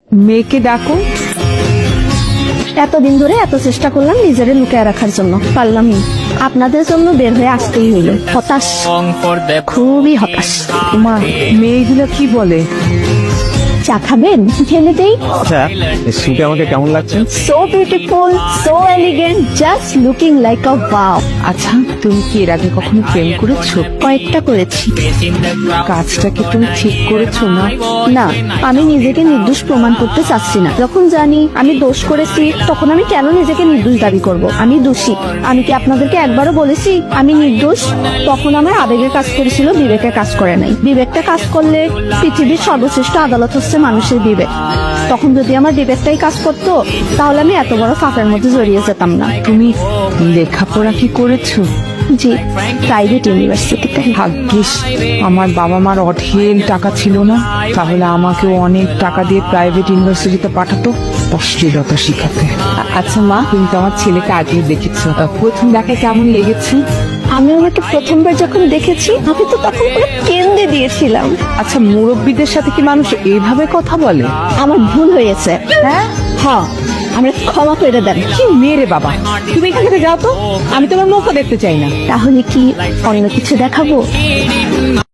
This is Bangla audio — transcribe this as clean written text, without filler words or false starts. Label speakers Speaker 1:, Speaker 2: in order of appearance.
Speaker 1: মেয়েকে ডাকো।
Speaker 2: এতদিন ধরে এত চেষ্টা করলাম নিজেরে লুকিয়ে রাখার জন্য, পারলামই। আপনাদের জন্য বের হয়ে আসতেই হইল। হতাশ, খুবই হতাশ।
Speaker 1: মা, মেয়েগুলো কি বলে?
Speaker 2: চা খাবেন? ঢেলে দেই।
Speaker 3: আচ্ছা, এই স্যুটে আমাকে কেমন লাগছে?
Speaker 2: So beautiful, so elegant, just looking like a wow.
Speaker 1: আচ্ছা, তুমি কি এর আগে কখনো প্রেম করেছো?
Speaker 2: কয়েকটা করেছি।
Speaker 1: কাজটা কি তুমি ঠিক করেছো না?
Speaker 2: না, আমি নিজেকে নির্দোষ প্রমাণ করতে চাচ্ছি না। যখন জানি আমি দোষ করেছি, তখন আমি কেন নিজেকে নির্দোষ দাবি করব? আমি দোষী। আমি কি আপনাদেরকে একবারও বলেছি আমি নির্দোষ? তখন আমার আবেগে কাজ করেছিল, বিবেকে কাজ করে নাই। বিবেকটা কাজ করলে পৃথিবীর সর্বশ্রেষ্ঠ আদালত হচ্ছে মানুষের বিবেক। তখন যদি আমার বিবেকটাই কাজ করতো, তাহলে আমি এত বড় ফাঁকের মধ্যে জড়িয়ে যেতাম না।
Speaker 1: তুমি লেখাপড়া কি করেছো?
Speaker 2: জি, প্রাইভেট ইউনিভার্সিটিতে।
Speaker 1: ভাগ্যিস আমার বাবা মার অঢেল টাকা ছিল না, তাহলে আমাকেও অনেক টাকা দিয়ে প্রাইভেট ইউনিভার্সিটিতে পাঠাতো অশ্লীলতা শিখাতে। আচ্ছা মা, তুমি তো আমার ছেলেকে আগে দেখেছো, প্রথম দেখে কেমন লেগেছে?
Speaker 2: আমি ওনাকে প্রথমবার যখন দেখেছি, আমি তো তখন পুরো কেন্দ্রে দিয়েছিলাম।
Speaker 1: আচ্ছা, মুরব্বীদের সাথে কি মানুষ এইভাবে কথা বলে?
Speaker 2: আমার ভুল হয়েছে। হ্যাঁ, আমরা ক্ষমা করে দেন।
Speaker 1: কি মেরে বাবা, তুমি এখান থেকে যাও তো, আমি তোমার মুখও দেখতে চাই না।
Speaker 2: তাহলে কি অন্য কিছু দেখাবো?